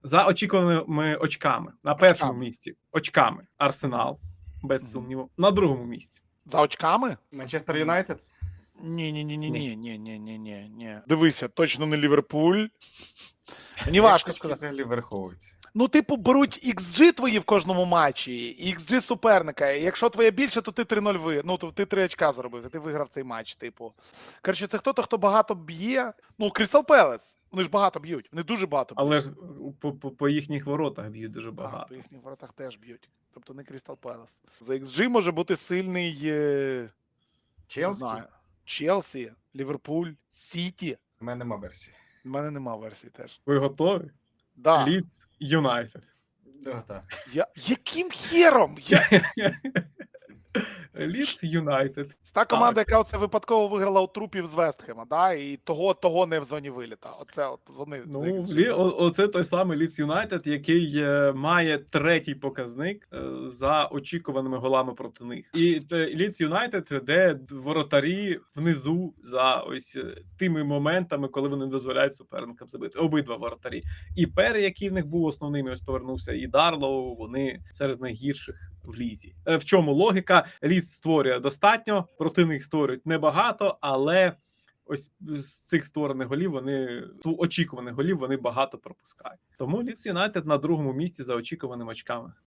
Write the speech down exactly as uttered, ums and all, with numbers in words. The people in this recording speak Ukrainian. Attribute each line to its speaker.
Speaker 1: За очікуваними очками. На першому
Speaker 2: Очками.
Speaker 1: місці очками Арсенал, без
Speaker 2: Мгм.
Speaker 1: сумніву. На другому місці.
Speaker 2: За очками?
Speaker 3: Манчестер Юнайтед?
Speaker 2: Ні, ні, ні, ні,
Speaker 1: Ні.
Speaker 2: ні, ні, ні, ні, ні, ні. Дивися, точно не Ліверпуль. Мені важко
Speaker 3: Як
Speaker 2: сказати.
Speaker 3: взагалі враховується?
Speaker 2: Ну, типу, беруть ікс джі твої в кожному матчі, і ікс джі суперника. І якщо твоє більше, то ти три нуль ви. Ну, то ти три очка заробив, і ти виграв цей матч, типу. Коротше, це хто-то, хто багато б'є. Ну, Крістал Пелес. Вони ж багато б'ють. Вони дуже багато б'ють.
Speaker 1: Але ж по, по, по їхніх воротах б'ють дуже
Speaker 2: А,
Speaker 1: багато.
Speaker 2: по їхніх воротах теж б'ють. Тобто не Крістал Пелес. За ікс джі може бути сильний, е... не
Speaker 3: Челсі?
Speaker 2: знаю, Челсі, Ліверпуль, Сіті.
Speaker 3: У мене нема версії.
Speaker 2: У мене нема версії теж.
Speaker 1: Ви готові?
Speaker 2: Да.
Speaker 1: Лідс Юнайтед.
Speaker 3: Да, так.
Speaker 2: Я... Яким хером? Я...
Speaker 1: Лідс Юнайтед.
Speaker 2: Це та команда, яка оце випадково виграла у трупів з Вестхема, да? І того, того не в зоні виліта. Оце от вони.
Speaker 1: Ну,
Speaker 2: за ікс джі.
Speaker 1: Лі, о, оце той самий Лідс Юнайтед, який е, має третій показник е, за очікуваними голами проти них. І Лідс Юнайтед, де воротарі внизу за ось е, тими моментами, коли вони дозволяють суперникам забити. Обидва воротарі. І Пере, який в них був основним, ось повернувся, і Дарлоу, вони серед найгірших в лізі. Е, В чому логіка? Лідс створює достатньо, проти них створюють небагато, але ось з цих створених голів вони ту очікуваних голів вони багато пропускають. Тому Лідс Юнайтед на другому місці за очікуваними очками.